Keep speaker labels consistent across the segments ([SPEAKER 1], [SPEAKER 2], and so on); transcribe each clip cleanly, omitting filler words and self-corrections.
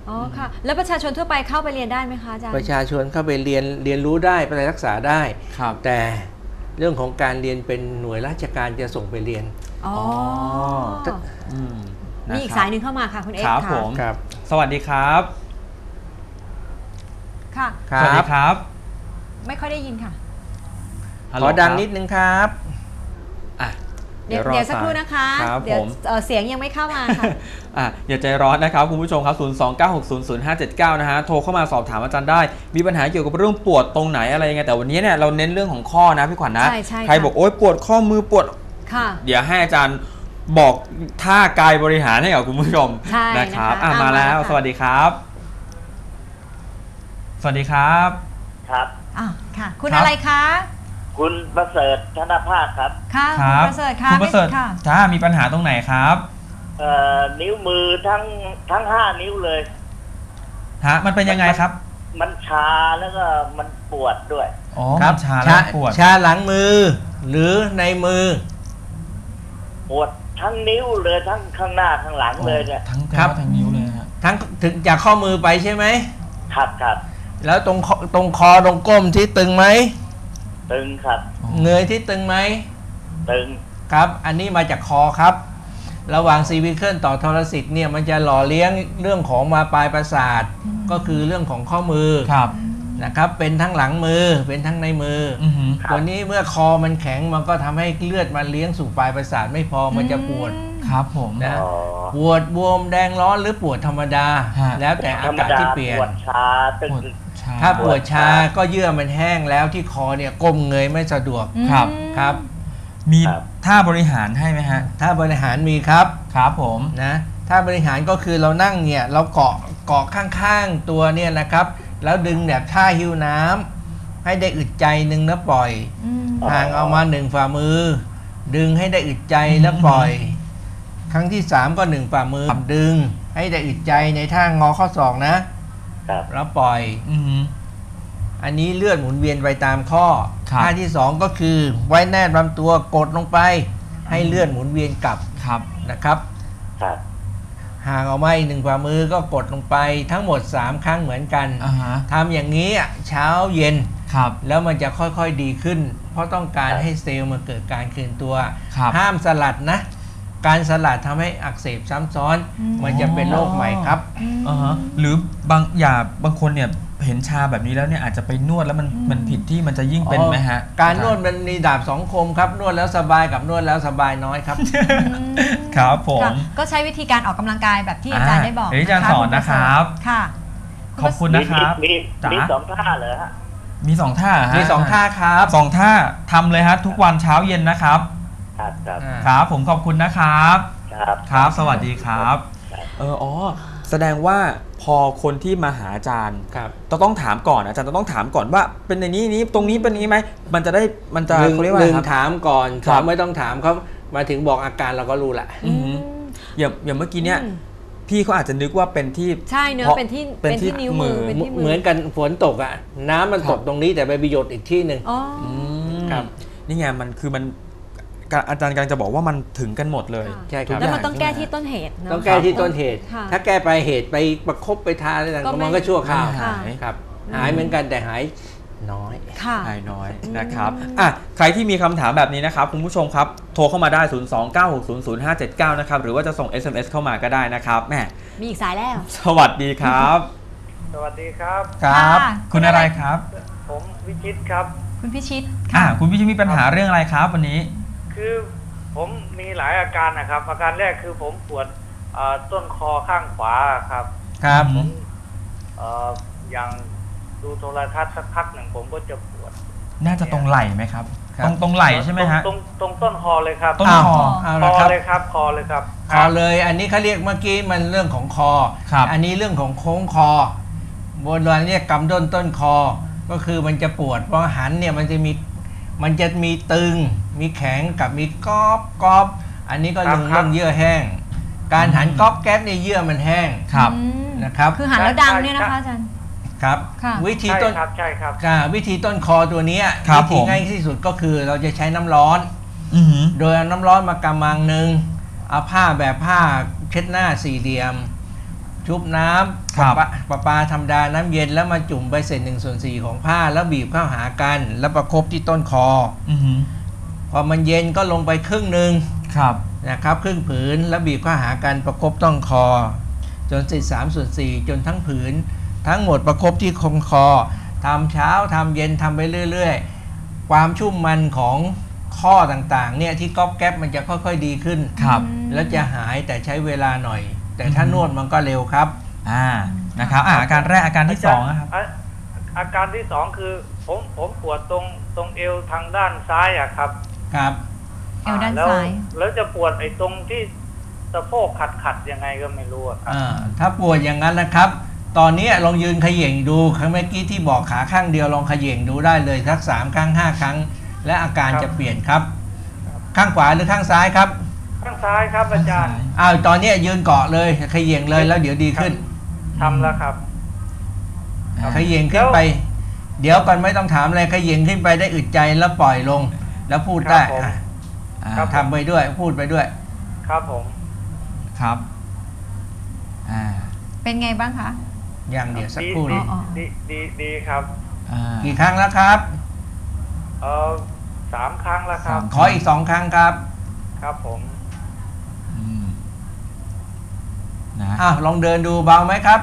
[SPEAKER 1] อ๋อค่ะแล้วประชาชนทั่วไปเข้าไปเรียนได้ไหมคะอาจารย์
[SPEAKER 2] ประชาชนเข้าไปเรียนรู้ได้ไปรักษาได้แต่เรื่องของการเรียนเป็นหน่วยราชการจะส่งไปเรียน
[SPEAKER 1] อ๋อมีอีกสายหนึ่งเข้ามาค่ะคุณเอก
[SPEAKER 3] ครับผมสวัสดีครับ
[SPEAKER 1] ค่ะ
[SPEAKER 3] สวัสดีครับ
[SPEAKER 1] ไม่ค่อยได้ยินค่ะ
[SPEAKER 2] ขอดังนิดนึงครับ
[SPEAKER 1] เดี๋ยวสักครู่นะคะเดี๋ยวเสียงยังไม่เข้ามาค่ะ
[SPEAKER 3] อย่าใจร้อนนะครับคุณผู้ชมครับ029600579นะฮะโทรเข้ามาสอบถามอาจารย์ได้มีปัญหาเกี่ยวกับเรื่องปวดตรงไหนอะไรยังไงแต่วันนี้เนี่ยเราเน้นเรื่องของข้อนะพี่ขวัญนะใครบอกโอ๊ยปวดข้อมือปวดเดี๋ยวให้อาจารย์บอกท่ากายบริหารให้กับคุณผู้ชมนะครับมาแล้วสวัสดีครับสวัสดีครับ
[SPEAKER 4] ครับ
[SPEAKER 1] ค่ะคุณอะไรคะ
[SPEAKER 4] คุณประเสริฐธนภาคครับ
[SPEAKER 1] ค่ะคุณประเสริฐค่ะ
[SPEAKER 3] คุณประเสริฐมีปัญหาตรงไหนครับ
[SPEAKER 4] นิ้วมือทั้ง5 นิ้วเลย
[SPEAKER 3] มันเป็นยังไงครับ
[SPEAKER 4] มันชาแล้วก็มันปวดด้วย
[SPEAKER 3] ครับชาแล้วปวด
[SPEAKER 2] ชาหลังมือหรือในมือ
[SPEAKER 4] ปวดทั้งนิ้วเลยทั้งข้างหน้าข้างหลังเลยเนี่ย
[SPEAKER 3] ทั้งนิ้วเลยฮะ
[SPEAKER 2] ทั้งถึงจากข้อมือไปใช่ไหม
[SPEAKER 4] ครับ
[SPEAKER 2] แล้วตรงคอตรงก้มที่ตึงไหม
[SPEAKER 4] ตึงครับ
[SPEAKER 2] เงยที่ตึงไหม
[SPEAKER 4] ตึง
[SPEAKER 2] ครับอันนี้มาจากคอครับระหว่างซีวิเคิลต่อทรสิตเนี่ยมันจะหล่อเลี้ยงเรื่องของมาปลายประสาทก็คือเรื่องของข้อมือนะครับเป็นทั้งหลังมือเป็นทั้งในมือตัวนี้เมื่อคอมันแข็งมันก็ทำให้เลือดมาเลี้ยงสู่ปลายประสาทไม่พอมันจะปวด
[SPEAKER 3] ครับผม
[SPEAKER 2] นะปวดบวมแดงร้อนหรือปวดธรรมดาแล้วแต่อากาศที่เปลี่ยน
[SPEAKER 4] ปวดชาตึง
[SPEAKER 2] ถ้าปวดชาก็เยื่อมันแห้งแล้วที่คอเนี่ยก้มเงยไม่สะดวกครับ
[SPEAKER 3] มีท่าบริหารให้ไหมฮะ
[SPEAKER 2] ท่าบริหารมีครับ
[SPEAKER 3] ครับผม
[SPEAKER 2] นะท่าบริหารก็คือเรานั่งเนี่ยเราเกาะข้างๆตัวเนี่ยนะครับแล้วดึงแบบท่าหิ้วน้ำให้ได้อึดใจหนึ่งแล้วปล่อยห่างเอามา1 ฝ่ามือดึงให้ได้อึดใจแล้วปล่อยครั้งที่3ก็1 ฝ่ามือดึงให้ได้อึดใจในท่างอข้อศอกนะแล้วปล่อยอันนี้เลือดหมุนเวียนไปตามข้อท่าที่2ก็คือไว้แนบลำตัวกดลงไปให้เลือดหมุนเวียนกลับนะครับห่างออกมาอีก1 ฝ่ามือก็กดลงไปทั้งหมด3 ครั้งเหมือนกันทำอย่างนี้เช้าเย็นแล้วมันจะค่อยๆดีขึ้นเพราะต้องการให้เซลล์มันเกิดการคืนตัวห้ามสลัดนะการสลัดทำให้อักเสบซ้ำซ้อนมันจะเป็นโรคใหม่ครับ
[SPEAKER 3] หรืบางคนเนี่ยเห็นชาแบบนี้แล้วเนี่ยอาจจะไปนวดแล้วมันผิดที่มันจะยิ่งเป็นไหมฮะ
[SPEAKER 2] การนวดมันมีดาบ2 คมครับนวดแล้วสบายกับนวดแล้วสบายน้อยครับ
[SPEAKER 3] ครับผม
[SPEAKER 1] ก็ใช้วิธีการออกกำลังกายแบบที่อาจารย์ได้บอก
[SPEAKER 3] อาจารย์สอนนะครับ
[SPEAKER 1] ค่ะ
[SPEAKER 3] ขอบคุณนะครับ
[SPEAKER 4] มี2 ท่าเหรอฮะ
[SPEAKER 3] มี2 ท่า
[SPEAKER 2] มี2 ท่าครับ
[SPEAKER 3] 2 ท่าทำเลยฮะทุกวันเช้าเย็นนะครับครับผมขอบคุณนะครับครับสวัสดีครับแสดงว่าพอคนที่มาหาอาจารย์ต้องถามก่อนอาจารย์ต้องถามก่อนว่าเป็นในนี้ตรงนี้เป็นนี้ไหมมันจะ
[SPEAKER 2] เขาเรียกว่าถามก่อนไม่ต้องถามเขามาถึงบอกอาการเราก็รู้แหละ
[SPEAKER 3] อย่างเมื่อกี้เนี่ยพี่เขาอาจจะนึกว่าเป็นที่
[SPEAKER 1] ใช่เนื้อเป็นที่นิ้วมือ
[SPEAKER 2] เหมือนกันฝนตกอ่ะน้ำมันตกตรงนี้แต่ไปประโยชน์อีกที่หนึ่ง
[SPEAKER 3] ครับนี่ไงมันคือมันอาจารย์กำลังจะบอกว่ามันถึงกันหมดเลย
[SPEAKER 2] ใช่ครับ
[SPEAKER 1] แล้วมันต้องแก้ที่ต้นเหตุ
[SPEAKER 2] ต้องแก้ที่ต้นเหตุถ้าแก้ไปเหตุไปประคบไปทาอะไรต่างๆมันก็ชั่วคราวครับหายเหมือนกันแต่หายน้อย
[SPEAKER 3] หายน้อยนะครับใครที่มีคำถามแบบนี้นะครับคุณผู้ชมครับโทรเข้ามาได้029600579นะครับหรือว่าจะส่ง SMS เข้ามาก็ได้นะครับแม่
[SPEAKER 1] มีอีกสายแล้ว
[SPEAKER 3] สวัสดีครับ
[SPEAKER 4] สวัสดีครับ
[SPEAKER 3] ครับคุณอะไรครับ
[SPEAKER 4] ผมวิชิตครับ
[SPEAKER 1] คุณพิชิต
[SPEAKER 3] คุณพิชิตมีปัญหาเรื่องอะไรครับวันนี้
[SPEAKER 4] คือผมมีหลายอาการนะครับอาการแรกคือผมปวดต้นคอข้างขวาครับผมอย่างดูโทรทัศน์สักพักหนึ่งผมก็จะปวด
[SPEAKER 3] น่าจะตรงไหล่ไหมครับตรงไหล่ใช่ไหมฮะ
[SPEAKER 4] ตรงต้นคอเลยครับ
[SPEAKER 3] ต้นคอ
[SPEAKER 4] เลยครับคอเลยครับ
[SPEAKER 2] คอเลยอันนี้เขาเรียกเมื่อกี้มันเรื่องของคออันนี้เรื่องของโค้งคอโบราณเรียกกำต้นคอก็คือมันจะปวดเพราะหันเนี่ยมันจะมีตึงมีแข็งกับมีก๊อบอันนี้ก็เรื่องเยื่อแห้งการหันก๊อบแก๊บในเยื่อมันแห้งนะครับ
[SPEAKER 1] คือหันแล้วดังเนี่ยนะคะอาจารย์
[SPEAKER 2] ครับวิธีต้น
[SPEAKER 4] ใช่ครับ
[SPEAKER 2] วิธีต้นคอตัวนี้วิธีง่ายที่สุดก็คือเราจะใช้น้ำร้อนโดยเอาน้ำร้อนมากำมังหนึ่งเอาผ้าแบบผ้าเช็ดหน้า4 เหลี่ยมชุบน้ำ
[SPEAKER 3] ครับ
[SPEAKER 2] ประปาธรรมดาน้ำเย็นแล้วมาจุ่มไปเศษ1/4ของผ้าแล้วบีบเข้าหากันแล้วประคบที่ต้นคอ
[SPEAKER 3] อือหือ
[SPEAKER 2] พอมันเย็นก็ลงไปครึ่งหนึ่ง
[SPEAKER 3] ครับ
[SPEAKER 2] นะครับครึ่งผืนแล้วบีบเข้าหากันประคบต้นคอ จนเสร็จ3/4จนทั้งผืนทั้งหมดประคบที่คอทำเช้าทำเย็นทำไปเรื่อยๆความชุ่มมันของข้อต่างๆเนี่ยที่ก๊อบแก๊บมันจะค่อยๆดีขึ้น
[SPEAKER 3] ครับ
[SPEAKER 2] แล้วจะหายแต่ใช้เวลาหน่อย แต่ถ้านวดมันก็เร็วครับ
[SPEAKER 3] นะครับอาการแรกอาการที่2นะครับ
[SPEAKER 4] อาการที่2คือผมปวดตรงเอวทางด้านซ้ายอะครับ
[SPEAKER 2] ครับ
[SPEAKER 1] เอวด้านซ้าย
[SPEAKER 4] แล้วจะปวดไอ้ตรงที่สะโพกขัดยังไงก็ไม่รู้อะครับ
[SPEAKER 2] ถ้าปวดอย่างนั้นนะครับ ตอนนี้ลองยืนเขย่งดูครั้งเมื่อกี้ที่บอกขาข้างเดียวลองเขย่งดูได้เลยสัก3 ครั้ง 5 ครั้ง และอาการจะเปลี่ยนครับ ข้างขวาหรือข้างซ้ายครับ
[SPEAKER 4] ข้างซ้ายครับอาจารย์
[SPEAKER 2] ตอนนี้ยืนเกาะเลยเขย่งเลยแล้วเดี๋ยวดีขึ้น
[SPEAKER 4] ทำแล้วครับ
[SPEAKER 2] เขย่งขึ้นไป เดี๋ยวก่อนไม่ต้องถามอะไรเขย่งขึ้นไปได้อึดใจแล้วปล่อยลง แล้วพูดได้
[SPEAKER 4] ครับผม
[SPEAKER 2] ทำไปด้วยพูดไปด้วย
[SPEAKER 4] ครับผม
[SPEAKER 3] ครับ
[SPEAKER 1] เป็นไงบ้างคะ
[SPEAKER 2] อย่างเดียวสักครู่
[SPEAKER 1] อ๋
[SPEAKER 2] นี้
[SPEAKER 1] อ
[SPEAKER 4] ดีครับ
[SPEAKER 2] กี่ครั้งแล้วครับ
[SPEAKER 4] 3 ครั้งแล้วครับ
[SPEAKER 2] ขออีก2 ครั้งครับ
[SPEAKER 4] ครับผม
[SPEAKER 3] นะ
[SPEAKER 2] ลองเดินดูเบาไหมครับ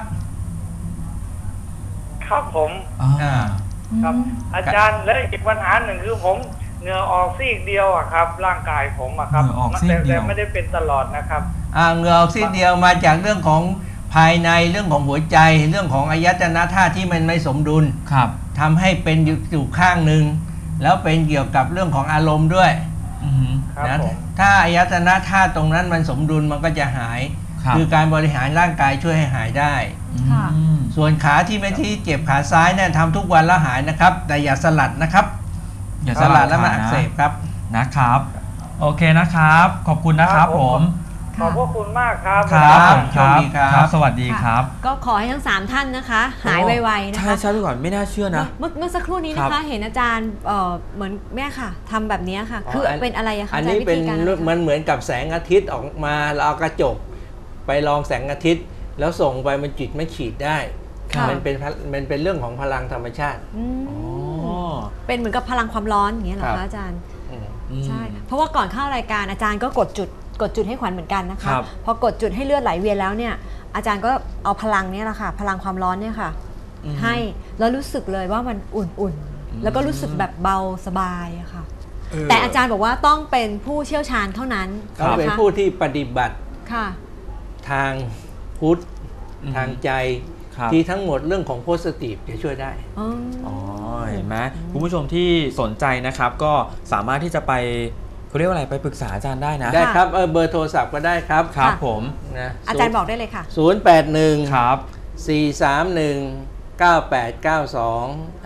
[SPEAKER 4] ครับผม ครับ อาจารย์แล้วอีกปัญหาหนึ่งคือผมเหงื่อออกซีกเดียวอะครับ ร่างกายผมอะครับ
[SPEAKER 3] เหงื่อออกซีกเดียว
[SPEAKER 4] แต่ไม่ได้เป็นตลอดนะครับ
[SPEAKER 2] เหงื่อออกซีดเดียวมาจากเรื่องของภายในเรื่องของหัวใจเรื่องของอายตนะธาตุที่มันไม่สมดุล
[SPEAKER 3] ครับ
[SPEAKER 2] ทำให้เป็นอยู่ข้างหนึ่งแล้วเป็นเกี่ยวกับเรื่องของอารมณ์ด้วย
[SPEAKER 3] อือหือ
[SPEAKER 4] ครับ
[SPEAKER 2] นะ
[SPEAKER 4] ผม
[SPEAKER 2] ถ้าอายตนะธาตุตรงนั้นมันสมดุลมันก็จะหาย
[SPEAKER 3] ครับ
[SPEAKER 2] คือการบริหารร่างกายช่วยให้หายได้
[SPEAKER 1] ค่ะ
[SPEAKER 2] ส่วนขาที่ไม่ที่เจ็บขาซ้ายเนี่ยทำทุกวันแล้วหายนะครับ แต่อย่าสลัดนะครับ
[SPEAKER 3] อย่า
[SPEAKER 2] สลัดแล้วมัน
[SPEAKER 3] ขา
[SPEAKER 2] อัก
[SPEAKER 3] นะ
[SPEAKER 2] เสบครับ
[SPEAKER 3] นะครับ โอเคนะครับ ขอบคุณนะครับผม
[SPEAKER 4] ขอบพระคุณมากครับ
[SPEAKER 3] ครับผม
[SPEAKER 2] โชคดีครับ
[SPEAKER 3] ครับ สวัสดีครับ
[SPEAKER 1] ก็ขอให้ทั้ง 3 ท่านนะคะ หายไวๆนะ
[SPEAKER 3] ใช่
[SPEAKER 1] คะ
[SPEAKER 3] ใช่พี่ก่อนไม่น่าเชื่อนะ
[SPEAKER 1] เมื่อสักครู่นี้นะคะ เห็นอาจารย์เหมือนแม่ค่ะทำแบบนี้ค่ะ คือเป็นอะไรอะคะ
[SPEAKER 2] อัน
[SPEAKER 1] อาจาร
[SPEAKER 2] นี้
[SPEAKER 1] ย์วิ
[SPEAKER 2] เป็น
[SPEAKER 1] ธีการอะไรคะ
[SPEAKER 2] มันเหมือนกับแสงอาทิตย์ออกมาเราเอากระจกไปลองแสงอาทิตย์ แล้วส่งไปมันจุดไม่ขีดได้
[SPEAKER 1] ค่ะ
[SPEAKER 2] มันเป็นเรื่องของพลังธรรมชาติ
[SPEAKER 1] อืม
[SPEAKER 3] อ๋อ
[SPEAKER 1] เป็นเหมือนกับพลังความร้อนอย่างเงี้ยเหรอ
[SPEAKER 2] ครั
[SPEAKER 1] คะ
[SPEAKER 2] บ
[SPEAKER 1] อาจารย์
[SPEAKER 2] อืม
[SPEAKER 1] ใช่ เพราะว่าก่อนเข้ารายการอาจารย์ก็กดจุดให้ขวัญเหมือนกันนะคะ
[SPEAKER 3] ครับ
[SPEAKER 1] พอกดจุดให้เลือดไหลเวียนแล้วเนี่ยอาจารย์ก็เอาพลังเนี่ยแหละค่ะ พลังความร้อนเนี่ยค่ะ ให้แล้วรู้สึกเลยว่ามันอุ่นๆ แล้วก็รู้สึกแบบเบาสบายอะค่ะ แต่อาจารย์บอกว่าต้องเป็นผู้เชี่ยวชาญเท่านั้น
[SPEAKER 2] เขาเป็น
[SPEAKER 1] นะคะ
[SPEAKER 2] ผู้ที่ปฏิบัติ
[SPEAKER 1] ค่ะ
[SPEAKER 2] ทางพุทธทางใจ
[SPEAKER 3] ครับ
[SPEAKER 2] ที่ทั้งหมดเรื่องของโพสิทีฟจะช่วยได้
[SPEAKER 1] อ๋อ
[SPEAKER 3] อ๋อเห็นไหมคุณผู้ชมที่สนใจนะครับ ก็สามารถที่จะไปเขาเรียกว่าอะไรไปปรึกษาอาจารย์ได้นะ
[SPEAKER 2] ได้ครับเบอร์โทรศัพท์ก็ได้ครับ
[SPEAKER 3] ครับ
[SPEAKER 1] ค่ะ
[SPEAKER 3] ผม
[SPEAKER 2] นะ
[SPEAKER 1] อาจารย์บอกได้เลยค่ะ
[SPEAKER 2] 081
[SPEAKER 3] ครับ
[SPEAKER 2] 431 9892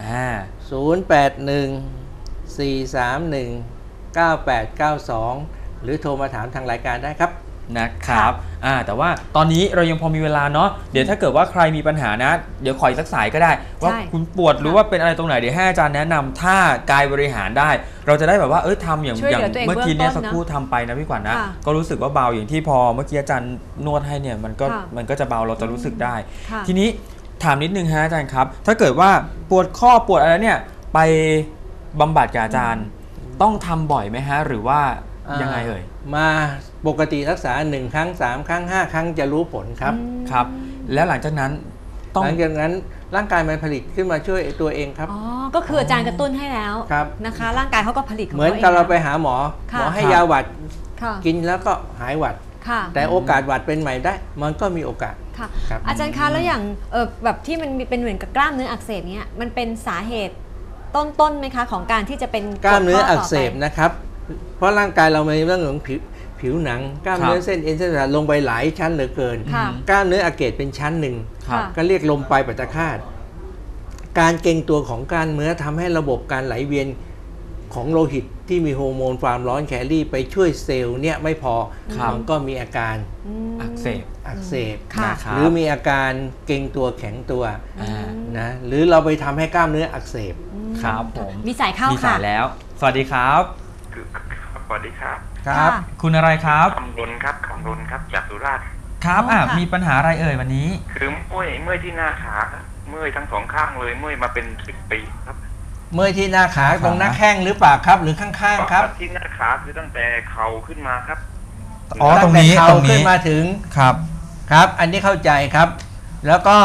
[SPEAKER 2] 081 431 9892 หรือโทรมาถามทางรายการได้ครับ
[SPEAKER 3] นะครับแต่ว่าตอนนี้เรายังพอมีเวลาเนาะเดี๋ยวถ้าเกิดว่าใครมีปัญหานะ เดี๋ยวขออีกสักสายก็ได้ ว่า
[SPEAKER 1] ใช่
[SPEAKER 3] คุณปวดหรือว่าเป็นอะไรตรงไหนเดี๋ยวให้อาจารย์แนะนำถ้ากายบริหารได้ เราจะได้แบบว่าทำอย่าง
[SPEAKER 1] ช่วยเหลือตัวเอง
[SPEAKER 3] เมื่อกี้เนี่ย
[SPEAKER 1] เบื้
[SPEAKER 3] สั
[SPEAKER 1] อง
[SPEAKER 3] ก
[SPEAKER 1] ต้น
[SPEAKER 3] ครู่ทำไปนะพี่ขวัญนะ
[SPEAKER 1] ค่ะ
[SPEAKER 3] ก็รู้สึกว่าเบาอย่างที่พอเมื่อกี้อาจารย์นวดให้เนี่ยมันก็จะเบาเราจะรู้สึกได้
[SPEAKER 1] ค่ะ
[SPEAKER 3] ทีนี้ถามนิดนึงฮะอาจารย์ครับ ถ้าเกิดว่าปวดข้อปวดอะไรเนี่ยไปบำบัดกับอาจารย์ต้องทำบ่อยไหมฮะหรือว่ายังไงเอ่ย
[SPEAKER 2] มาปกติรักษา1 ครั้ง 3 ครั้ง 5 ครั้งจะรู้ผลครับ
[SPEAKER 3] ครับ แล้วหลังจากนั้นต้อง
[SPEAKER 2] หลังจากนั้นร่างกายมันผลิตขึ้นมาช่วยตัวเองครับ
[SPEAKER 1] อ๋อ ก็คืออาจารย์กระตุ้นให้แล้ว
[SPEAKER 2] ครับ
[SPEAKER 1] นะคะ ร่างกายเขาก็ผลิตของ
[SPEAKER 2] เหมือน
[SPEAKER 1] ขง
[SPEAKER 2] กับเราไป
[SPEAKER 1] แล้ว
[SPEAKER 2] หาหมอ
[SPEAKER 1] ค่ะ
[SPEAKER 2] หมอให้
[SPEAKER 3] ครับ
[SPEAKER 2] ยาหวัด
[SPEAKER 1] ค่ะ
[SPEAKER 2] กินแล้วก็หายหวัด
[SPEAKER 1] ค่ะ
[SPEAKER 2] แต่โอกาสหวัดเป็นใหม่ได้ มันก็มีโอกาส
[SPEAKER 1] ค่ะ
[SPEAKER 2] ครับ
[SPEAKER 1] อาจารย์คะแล้วอย่างแบบที่มันเป็นเหมือนกับกล้ามเนื้ออักเสบเนี้ยมันเป็นสาเหตุต้นไหมคะของการที่จะเป็น
[SPEAKER 2] กล้ามเนื้ออักเสบ
[SPEAKER 1] ปวดข้
[SPEAKER 2] นะครับ เพราะร่างกายเรามีเรื่องของผิวหนัง กล้ามเนื้อเส้นเอ็นเส้นประสาทลงไปหลายชั้นเหลือเกิน
[SPEAKER 1] ค่ะ
[SPEAKER 2] กล้ามเนื้ออักเสบเป็นชั้นหนึ่ง
[SPEAKER 3] ครับ
[SPEAKER 1] ค่ะ
[SPEAKER 2] ก็เรียกลมปลายปัตตคาตการเกร็งตัวของกล้ามเนื้อทำให้ระบบการไหลเวียนของโลหิตที่มีฮอร์โมนความร้อนแคลรี่ไปช่วยเซลล์เนี่ยไม่พอ
[SPEAKER 3] ครับ
[SPEAKER 2] มันก็มีอาการ
[SPEAKER 1] อืม
[SPEAKER 3] อักเสบ
[SPEAKER 2] อักเสบ
[SPEAKER 1] ค่ะ
[SPEAKER 3] นะครับ
[SPEAKER 2] หรือมีอาการเกร็งตัวแข็งตัว
[SPEAKER 3] อ่า
[SPEAKER 2] นะหรือเราไปทำให้กล้ามเนื้ออักเสบ
[SPEAKER 3] ครับผม
[SPEAKER 1] มีสายเข้า
[SPEAKER 3] มี
[SPEAKER 1] ค่ะ
[SPEAKER 3] สายแล้ว สวัสดีครับ
[SPEAKER 4] สวัสดีครับ
[SPEAKER 2] ครับ
[SPEAKER 1] ค่ะ
[SPEAKER 3] คุณอะไรครับ
[SPEAKER 4] คำรุนครับจากสุราษฎร์
[SPEAKER 3] คครับมีปัญหาอะไรเอ่ยวันนี้
[SPEAKER 5] คือเมื่อยที่หน้าขาเมื่อยทั้งสองข้างเลยเมื่อยมาเป็น10 ปีครับ
[SPEAKER 2] เมื่อยที่หน้าขาตรงหน้าแข้งหรือเปล่าครับหรือข้างๆครับ
[SPEAKER 5] ที่หน้าขาคือตั้งแต่เข่าขึ้นมาครับ
[SPEAKER 3] ตรงนี้
[SPEAKER 2] เข่าขึ้นมาถึงครับอันนี้เข้าใจครับ แล้วก็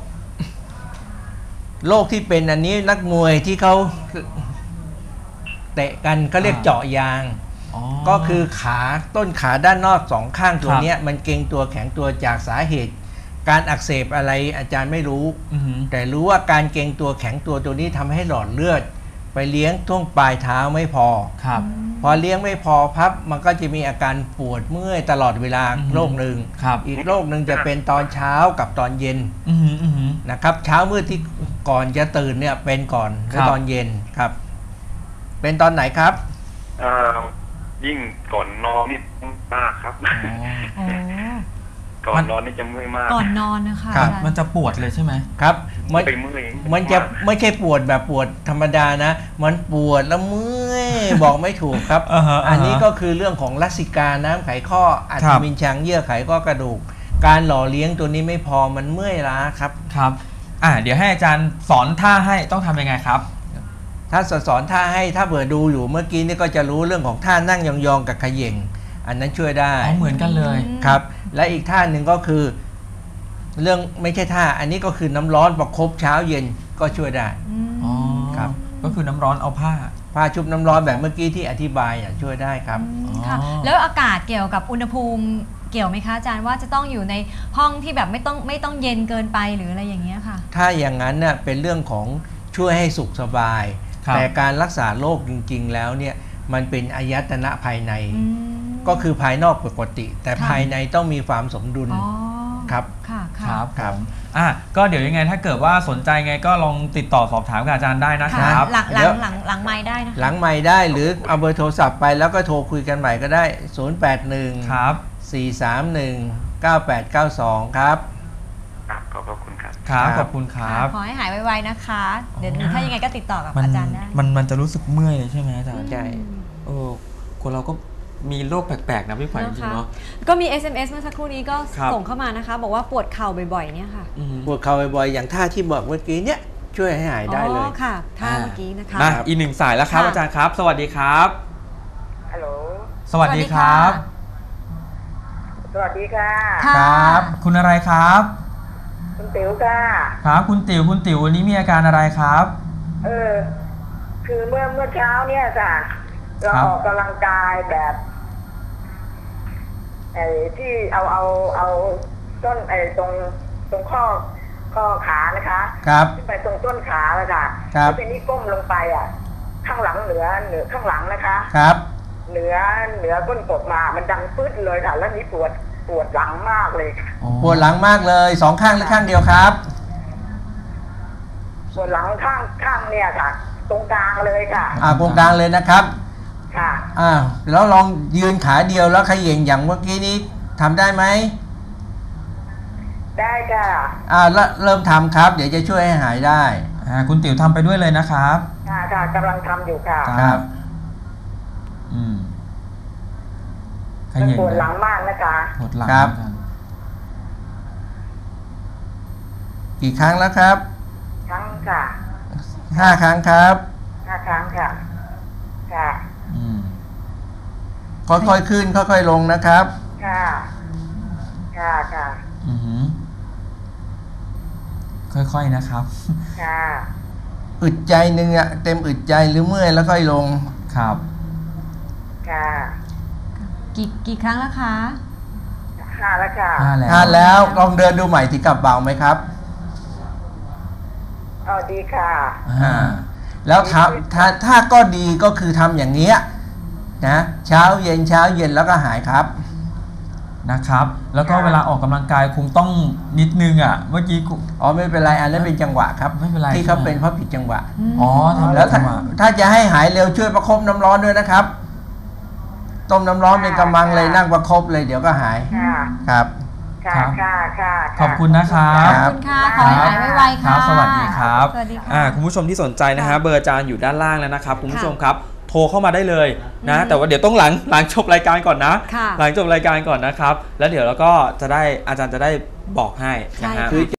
[SPEAKER 2] โรคที่เป็นอันนี้นักมวยที่เขาเตะกันก็เรียกเจาะยางก็คือขาต้นขาด้านนอกสองข้างตัวนี้มันเกร็งตัวแข็งตัวจากสาเหตุการอักเสบอะไรอาจารย์ไม่รู้แต่รู้ว่าการเกร็งตัวแข็งตัวนี้ทำให้หลอดเลือดไปเลี้ยงช่วงปลายเท้าไม่พอพอเลี้ยงไม่พอพับมันก็จะมีอาการปวดเมื่อยตลอดเวลาโรคหนึ่งอีกโรคหนึ่งจะเป็นตอนเช้ากับตอนเย็นนะครับเช้ามืดที่ก่อนจะตื่นเนี่ยเป็นก่อนหรือตอนเย็นครับเป็นตอนไหนครับ
[SPEAKER 5] ยิ่งก่อนนอนนี่มากครับก่อนนอนนี่จะเมื่อยมาก
[SPEAKER 1] ก่อนนอนนะคะ
[SPEAKER 3] มันจะปวดเลยใช่ไหม
[SPEAKER 2] ครับมันจะไม่ใช่ปวดแบบปวดธรรมดานะมันปวดแล้วเมื่อยบอกไม่ถูกครับอันนี้ก็คือเรื่องของลักษิกาน้ำไขข้ออัฐมินชังเยื่อไขข้อกระดูกการหล่อเลี้ยงตัวนี้ไม่พอมันเมื่อยล้าครับ
[SPEAKER 3] เดี๋ยวให้อาจารย์สอนท่าให้ต้องทำยังไงครับ
[SPEAKER 2] ถ้าสอนท่าให้ถ้าเผื่อดูอยู่เมื่อกี้นี่ก็จะรู้เรื่องของท่านั่งยองๆกับเขย่งอันนั้นช่วยได้
[SPEAKER 3] เหมือนกันเลย
[SPEAKER 2] ครับและอีกท่าหนึ่งก็คือเรื่องไม่ใช่ท่าอันนี้ก็คือน้ำร้อนประคบเช้าเย็นก็ช่วยได้
[SPEAKER 3] ครับก็คือน้ำร้อนเอาผ้า
[SPEAKER 2] ชุบน้ำร้อนแบบเมื่อกี้ที่อธิบายช่วยได้ครับ
[SPEAKER 1] ค่ะแล้วอากาศเกี่ยวกับอุณหภูมิเกี่ยวไหมคะอาจารย์ว่าจะต้องอยู่ในห้องที่แบบไม่ต้องเย็นเกินไปหรืออะไรอย่างเงี้ยค่ะ
[SPEAKER 2] ถ้าอย่างนั้นเนี่ยเป็นเรื่องของช่วยให้สุขสบายแต่การรักษาโรคจริงๆแล้วเนี่ยมันเป็นอายตนะภายในก็คือภายนอกปกติแต่ภายในต้องมีความสมดุลครับ
[SPEAKER 3] ครับก็เดี๋ยวยังไงถ้าเกิดว่าสนใจไงก็ลองติดต่อสอบถามกับอาจารย์ได้นะครับ
[SPEAKER 1] หลังไมค์ได้นะ
[SPEAKER 2] หลังไมค์ได้หรือเอาเบอร์โทรศัพท์ไปแล้วก็โทรคุยกันใหม่ก็ได้081
[SPEAKER 3] ครับ
[SPEAKER 2] 431 9892ครับ
[SPEAKER 5] ขอบคุณครับ
[SPEAKER 3] ขอบคุณครับ
[SPEAKER 1] ขอให้หายไวๆนะคะเดี๋ยวถ้ายังไงก็ติดต่อกับอาจารย์ได้
[SPEAKER 3] มันจะรู้สึกเมื่อยใช่ไหมอาจารย์ใช่คนเราก็มีโรคแปลกๆนะพี่ขวัญจริงๆเนาะ
[SPEAKER 1] ก็มี SMS เมื่อสักครู่นี้ก็ส่งเข้ามานะคะบอกว่าปวดเข่าบ่อยๆเนี่ยค่ะ
[SPEAKER 2] ปวดเข่าบ่อยๆอย่างท่าที่บอกเมื่อกี้เนี่ยช่วยให้หายได้เลย
[SPEAKER 1] ค่ะท่าเมื่อกี้นะคะ
[SPEAKER 3] อีกหนึ่งสายแล้วครับอาจารย์ครับสวัสดีครับ
[SPEAKER 5] ฮัลโหล
[SPEAKER 3] สวัสดีครับ
[SPEAKER 5] สวัสดีค่ะ
[SPEAKER 3] ครับคุณอะไรครับ
[SPEAKER 5] คุณติ๋วค่ะ
[SPEAKER 3] ครับคุณติ๋ววันนี้มีอาการอะไรครับ
[SPEAKER 5] คือเมื่อเช้าเนี่ยจ้ะเราออกกำลังกายแบบที่เอาต้นตรงข้อขานะคะ
[SPEAKER 2] ครับ
[SPEAKER 5] ขึ้นไปตรงต้นขาเลยค่ะ
[SPEAKER 2] ครับ
[SPEAKER 5] ทีนี้ก้มลงไปข้างหลังเหนือข้างหลังนะคะ
[SPEAKER 2] ครับ
[SPEAKER 5] เหนือก้นกบมามันดังปึ๊ดเลยค่ะแล้วนี้ปวดหลังมากเลย
[SPEAKER 2] ปวดหลังมากเลยสองข้างหรือข้างเดียวครับ
[SPEAKER 5] ปวดหลังข้างเนี่ยค่ะตรงกลางเลยค่ะ
[SPEAKER 2] ตรงกลางเลยนะครับ
[SPEAKER 5] ค่ะ
[SPEAKER 2] แล้วลองยืนขาเดียวแล้วเขย่งอย่างเมื่อกี้นี้ทำได้ไหม
[SPEAKER 5] ได้ค่ะ
[SPEAKER 2] แล้วเริ่มทำครับเดี๋ยวจะช่วยให้หายได้
[SPEAKER 3] คุณติ๋วทำไปด้วยเลยนะครับ
[SPEAKER 5] ค่ะกำลังทำอยู่ค่ะ
[SPEAKER 2] ครับ
[SPEAKER 5] ปวดหลังมากนะคะ
[SPEAKER 3] ปวดหลัง
[SPEAKER 2] ครับกี่ครั้งแล้วครับ
[SPEAKER 5] ครั้งค่ะ
[SPEAKER 2] 5 ครั้งครับ
[SPEAKER 5] 5 ครั้งค่ะ
[SPEAKER 2] ค่อยๆขึ้นค่อยๆลงนะครับ
[SPEAKER 5] ค่ะ
[SPEAKER 3] ค่อยๆนะครับ
[SPEAKER 2] อึดใจหนึ่งเต็มอึดใจหรือเมื่อยแล้วค่อยลง
[SPEAKER 3] ครับ
[SPEAKER 1] กี่ครั้งแล้วคะ
[SPEAKER 5] 5 แล้วค่ะ
[SPEAKER 2] 5 แล้วลองเดินดูใหม่ที่กลับเบาไหมครับ
[SPEAKER 5] ดีค่ะ
[SPEAKER 2] แล้วถ้าก็ดีก็คือทำอย่างเงี้ยนะเช้าเย็นแล้วก็หายครับ
[SPEAKER 3] นะครับแล้วก็เวลาออกกำลังกายคงต้องนิดนึงเมื่อกี้
[SPEAKER 2] ไม่เป็นไรอันนั้นเป็นจังหวะครับ
[SPEAKER 3] ไม่เป็นไร
[SPEAKER 2] ที่เขาเป็นเพราะผิดจังหวะ
[SPEAKER 3] แล้ว
[SPEAKER 2] ถ้าจะให้หายเร็วช่วยประคบน้ำร้อนด้วยนะครับต้มน้ำร้อนเป็นกำมังเลยนั่งประคบเลยเดี๋ยวก็หายครับ
[SPEAKER 3] ขอบคุณนะครับ
[SPEAKER 1] ขอบคุณค่ะขอให้หายไวๆค่ะ
[SPEAKER 3] สวัสดีครับคุณผู้ชมที่สนใจนะฮะเบอร์อาจารย์อยู่ด้านล่างแล้วนะครับคุณผู้ชมครับโทรเข้ามาได้เลยนะแต่ว่าเดี๋ยวต้องหลังจบรายการก่อนนะหลังจบรายการก่อนนะครับแล้วเดี๋ยวเราก็จะได้อาจารย์จะได้บอกให้นะฮะ